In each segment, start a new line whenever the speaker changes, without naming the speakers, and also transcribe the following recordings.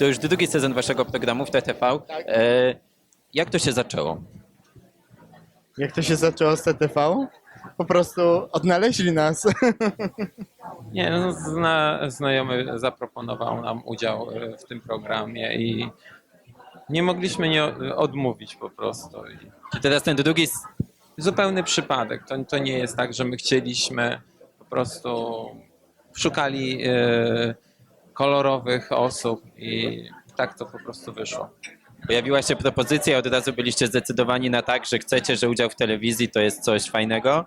To już drugi sezon waszego programu w TTV.
Tak.
Jak to się zaczęło?
Jak to się zaczęło z TTV? Po prostu odnaleźli nas.
Nie, no, znajomy zaproponował nam udział w tym programie i nie mogliśmy nie odmówić po prostu.
Czy teraz ten drugi...
Zupełny przypadek. To nie jest tak, że my chcieliśmy, po prostu szukali kolorowych osób i tak to po prostu wyszło.
Pojawiła się propozycja, od razu byliście zdecydowani na tak, że chcecie, że udział w telewizji to jest coś fajnego?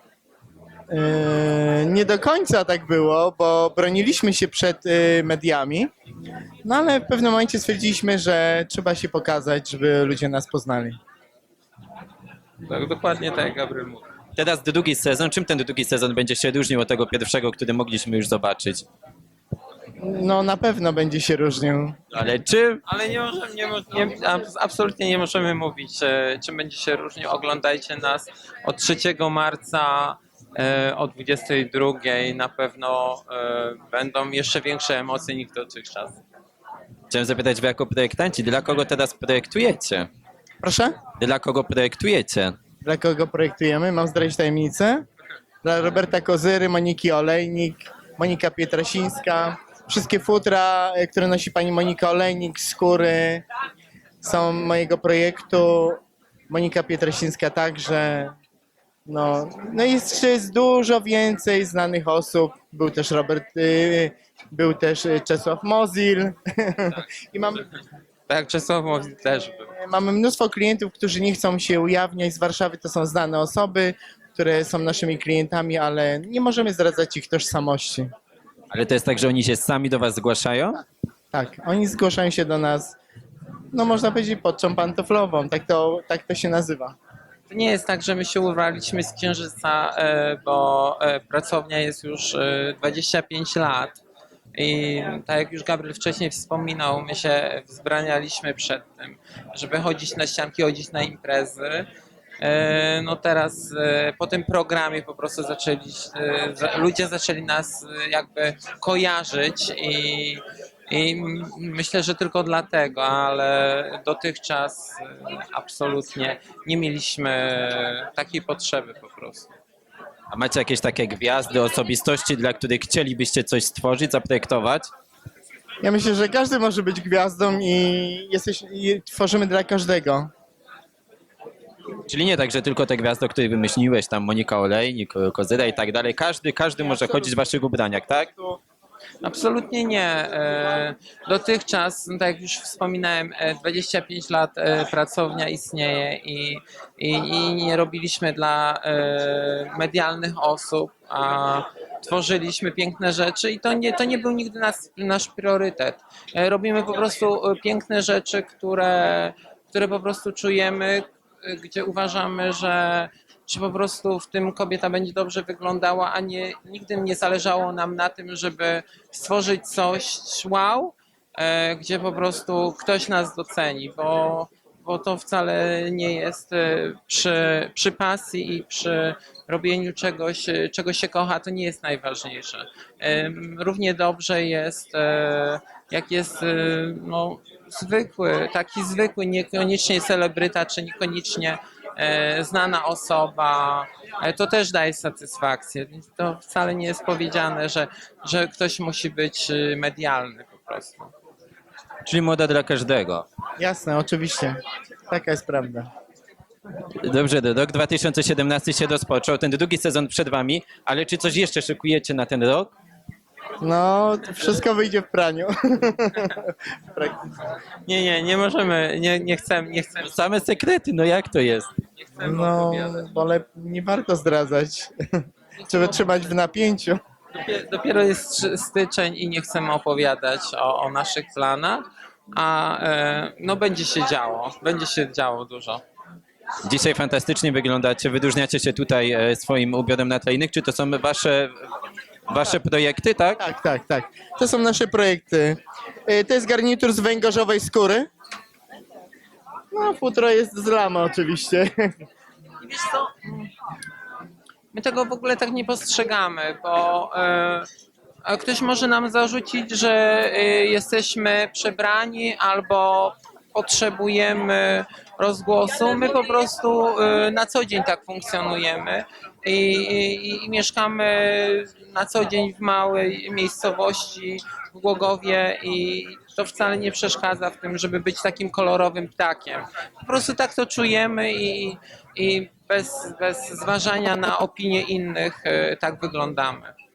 Nie do końca tak było, bo broniliśmy się przed mediami, no ale w pewnym momencie stwierdziliśmy, że trzeba się pokazać, żeby ludzie nas poznali.
Tak, dokładnie tak jak Gabriel mówił.
Teraz drugi sezon. Czym ten drugi sezon będzie się różnił od tego pierwszego, który mogliśmy już zobaczyć?
No na pewno będzie się różnił.
Ale czym?
Ale absolutnie nie możemy mówić, czym będzie się różnił. Oglądajcie nas od 3 marca o 22. Na pewno będą jeszcze większe emocje niż dotychczas.
Chciałem zapytać, wy jako projektanci, dla kogo teraz projektujecie?
Proszę?
Dla kogo projektujecie?
Dla kogo projektujemy? Mam zdradzić tajemnicę? Dla Roberta Kozyry, Moniki Olejnik, Monika Pietrasińska. Wszystkie futra, które nosi pani Monika Olejnik, skóry są mojego projektu. Monika Pietrasińska także. No i jeszcze jest dużo więcej znanych osób. Był też był też Czesław Mozil. I
Tak jak Czesław mówi też był.
mamy mnóstwo klientów, którzy nie chcą się ujawniać. Z Warszawy to są znane osoby, które są naszymi klientami, ale nie możemy zdradzać ich tożsamości.
Ale to jest tak, że oni się sami do was zgłaszają?
Tak, oni zgłaszają się do nas, no można powiedzieć, podczą pantoflową, tak to się nazywa.
To nie jest tak, że my się urwaliśmy z Księżyca, bo pracownia jest już 25 lat. I tak jak już Gabriel wcześniej wspominał, my się wzbranialiśmy przed tym, żeby chodzić na ścianki, chodzić na imprezy. No teraz po tym programie po prostu ludzie zaczęli nas jakby kojarzyć i myślę, że tylko dlatego, ale dotychczas absolutnie nie mieliśmy takiej potrzeby po prostu.
A macie jakieś takie gwiazdy, osobistości, dla których chcielibyście coś stworzyć, zaprojektować?
Ja myślę, że każdy może być gwiazdą i tworzymy dla każdego.
Czyli nie tak, że tylko te gwiazdy, o których wymyśliłeś, tam Monika Olejnik, Kozyra i tak dalej, każdy może chodzić w waszych ubraniach, tak?
Absolutnie nie. Dotychczas, no tak jak już wspominałem, 25 lat pracownia istnieje i nie robiliśmy dla medialnych osób, a tworzyliśmy piękne rzeczy i to nie był nigdy nasz priorytet. Robimy po prostu piękne rzeczy, które po prostu czujemy, gdzie uważamy, że po prostu w tym kobieta będzie dobrze wyglądała, a nigdy nie zależało nam na tym, żeby stworzyć coś wow, gdzie po prostu ktoś nas doceni, bo to wcale nie jest przy pasji i przy robieniu czegoś, czego się kocha, to nie jest najważniejsze. Równie dobrze jest, jak jest no, taki zwykły, niekoniecznie celebryta, czy niekoniecznie znana osoba, to też daje satysfakcję. Więc to wcale nie jest powiedziane, że ktoś musi być medialny po prostu.
Czyli moda dla każdego.
Jasne, oczywiście. Taka jest prawda.
Dobrze, rok 2017 się rozpoczął, ten drugi sezon przed wami, ale czy coś jeszcze szykujecie na ten rok?
No, to wszystko wyjdzie w praniu. W praktyce.
Nie możemy, nie chcemy
Same sekrety, no jak to jest?
No, ale nie warto zdradzać. Trzeba trzymać w napięciu.
Dopiero jest styczeń i nie chcemy opowiadać o naszych planach, a no będzie się działo dużo.
Dzisiaj fantastycznie wyglądacie, wyróżniacie się tutaj swoim ubiorem na tle innych. Czy to są wasze projekty, tak?
Tak. To są nasze projekty. To jest garnitur z węgorzowej skóry. No, futro jest z lamy oczywiście.
I wiesz co, my tego w ogóle tak nie postrzegamy, bo A ktoś może nam zarzucić, że jesteśmy przebrani albo potrzebujemy rozgłosu. My po prostu na co dzień tak funkcjonujemy i mieszkamy na co dzień w małej miejscowości w Głogowie i to wcale nie przeszkadza w tym, żeby być takim kolorowym ptakiem. Po prostu tak to czujemy i bez zważania na opinie innych tak wyglądamy.